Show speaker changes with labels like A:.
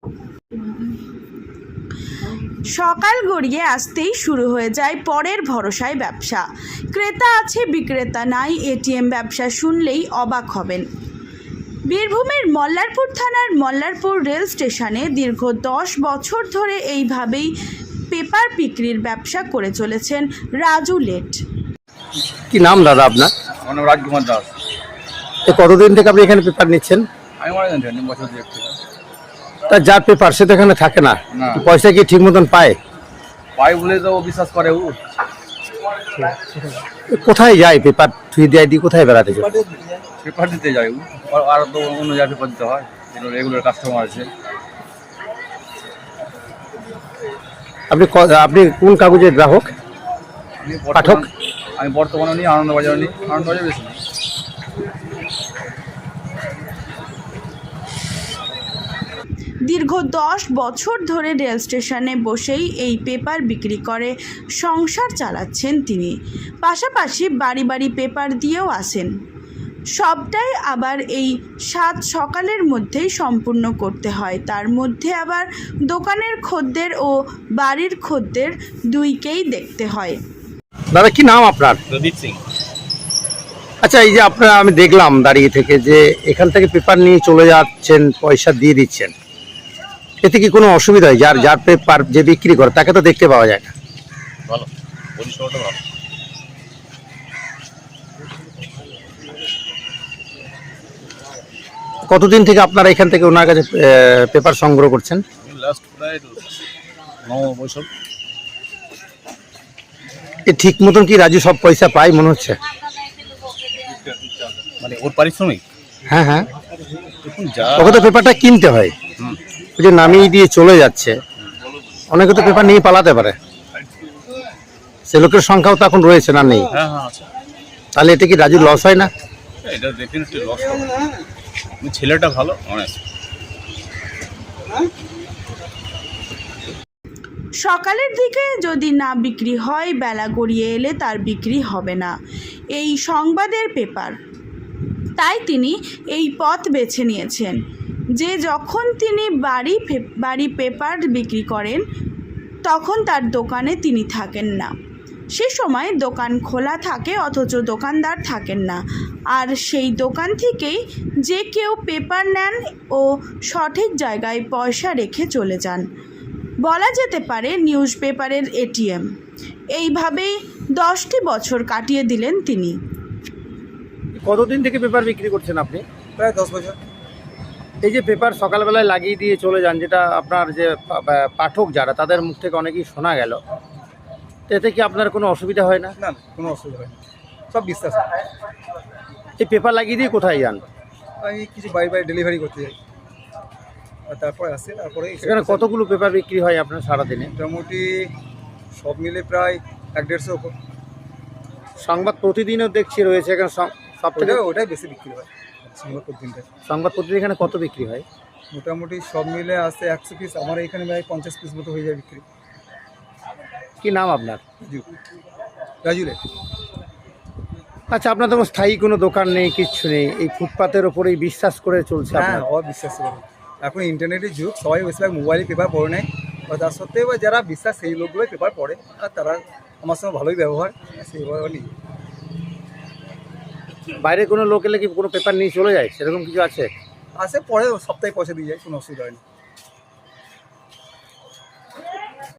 A: সকাল গড়িয়ে আসতেই শুরু হয়ে যায় পরের ভরসায় ব্যবসা। ক্রেতা আছে বিক্রেতা নাই, এটিএম ব্যবসা শুনলেই অবাক হবেন। বীরভূমের মল্লারপুর থানার মল্লারপুর রেল স্টেশনে দীর্ঘ 10 বছর ধরে এইভাবেই পেপার বিক্রির ব্যবসা করে চলেছেন রাজু লেট।
B: কি নাম দাদা আপনার?
C: আমার নাম রাজকুমার দাস।
B: কতদিন থেকে আপনি এখানে পেপার নিচ্ছেন?
C: আমি মনে জানি বছর দুয়েক থেকে।
B: তা যার পেপার সে তো এখানে থাকে না,
C: না।
B: পয়সা কি ঠিক মতন পায়?
C: পাই বলে তো ও বিশ্বাস করে। ও
B: কোথায় যায় পেপার থুই দেয় দিয়ে কোথায় বেড়াতে যায়?
C: পেপার দিতে যায় ও, আর তো অন্য জায়গায় পেপার দিতে হয়, রেগুলার কাস্টমার আছে।
B: আপনি কোন কাগজের গ্রাহক? পাঠক?
C: আমি বর্তমানে নিই আনন্দবাজার, নিই আনন্দবাজার বেশি না।
A: দীর্ঘ 10 বছর ধরে রেল স্টেশনে বসেই এই পেপার বিক্রি করে সংসার চালাচ্ছেন তিনি। পাশাপাশি বাড়ি বাড়ি পেপার দিয়েও আসেন। সবটাই আবার এই 7 সকালের মধ্যেই সম্পূর্ণ করতে হয়। তার মধ্যে আবার দোকানের খদ্দের ও বাড়ির খদ্দের দুইকেই দেখতে হয়।
B: দাদা কি নাম আপনার?
C: প্রদীপ সিং।
B: আচ্ছা, এই যে আপনারা আমি দেখলাম দাঁড়িয়ে থেকে যে এখান থেকে পেপার নিয়ে চলে যাচ্ছেন, পয়সা দিয়ে দিচ্ছেন, এতে কি কোনো অসুবিধা হয়? যার পেপার যে বিক্রি করে তাকে তো দেখতে পাওয়া যায় না।
C: ভালো, পরিষেবাটা ভালো।
B: কতদিন থেকে আপনারা এখান থেকে ওনার কাছে পেপার সংগ্রহ করছেন?
C: লাস্ট প্রায় 9 বছর।
B: ঠিক মতন কি রাজু সব পয়সা পায় মনে হচ্ছে?
C: মানে ওর পারিশ্রমিক?
B: হ্যাঁ হ্যাঁ,
C: দেখুন যা
B: ওকে তো পেপারটা কিনতে হয়। ওই যে নামিয়ে দিয়ে চলে যাচ্ছে, অনেকে তো পেপার নিয়ে পালাতে পারে, সে লোকের সংখ্যাও তো এখন রয়েছে না, নেই?
C: হ্যাঁ হ্যাঁ আছে।
B: তাহলে এটা কি রাজুর লস হয় না?
C: এটা ডেফিনেটলি লস হবে। ছেলেটা ভালো, অনেস্ট।
A: সকালের দিকে যদি না বিক্রি হয়, বেলা গড়িয়ে এলে তার বিক্রি হবে না এই সংবাদের পেপার। তাই তিনি এই পথ বেছে নিয়েছেন যে যখন তিনি বাড়ি পেপার বিক্রি করেন তখন তার দোকানে তিনি থাকেন না। সে সময় দোকান খোলা থাকে অথচ দোকানদার থাকেন না, আর সেই দোকান থেকেই যে কেউ পেপার নেন ও সঠিক জায়গায় পয়সা রেখে চলে যান। বলা যেতে পারে নিউজ পেপারের এটিএম। এইভাবেই 10টি বছর কাটিয়ে দিলেন তিনি।
B: কতদিন থেকে পেপার বিক্রি করছেন আপনি?
D: প্রায় 10 বছর।
B: এই যে পেপার সকালবেলায় লাগিয়ে দিয়ে চলে যান, যেটা আপনার যে পাঠক যারা তাদের মুখ থেকে অনেকেই শোনা গেল, এতে কি আপনার কোনো অসুবিধা হয় না?
D: না, কোনো অসুবিধা হয় না, সব বিশ্বাস।
B: এই পেপার লাগিয়ে দিয়ে কোথায় যান?
D: আমি কিছু বাড়ি বাড়ি ডেলিভারি করতে যাই, আর তারপরে আসে, তারপরে
B: এখানে কতগুলো পেপার বিক্রি হয় আপনার সারাদিনে?
D: মোটামুটি সব মিলে প্রায় 1-150 উপর।
B: সংবাদ প্রতিদিনও দেখছি রয়েছে এখানে, সব থেকে
D: ওটাই বেশি বিক্রি হয় সংবাদ প্রতিদিনটা।
B: সংবাদ প্রতিদিন এখানে কত বিক্রি হয়?
D: মোটামুটি সব মিলে আসে 100 পিস, আমার এখানে প্রায় 50 পিস মতো হয়ে যায় বিক্রি।
B: কি নাম আপনার?
D: রাজুলে।
B: আচ্ছা, আপনার তো স্থায়ী কোনো দোকান নেই, কিচ্ছু নেই, এই ফুটপাতের ওপরেই বিশ্বাস করে চলছে
D: হ্যাঁ,
B: আপনার?
D: অবিশ্বাস করে। এখন ইন্টারনেটের যুগ, সবাই বেশিরভাগ মোবাইলে পেপার পড়ে নেয়, বা তার সত্ত্বেও যারা বিশ্বাস সেই লোকগুলোই পেপার পড়ে, আর তারা আমার সঙ্গে ভালোই ব্যবহার, সেইভাবে নিই।
B: বাইরে কোনো লোক এলে কি কোনো পেপার নিয়ে চলে যায়, সেরকম কিছু আছে?
D: আসে পরে সপ্তাহে পয়সা দিয়ে যায়, কোনো অসুবিধা হয় না।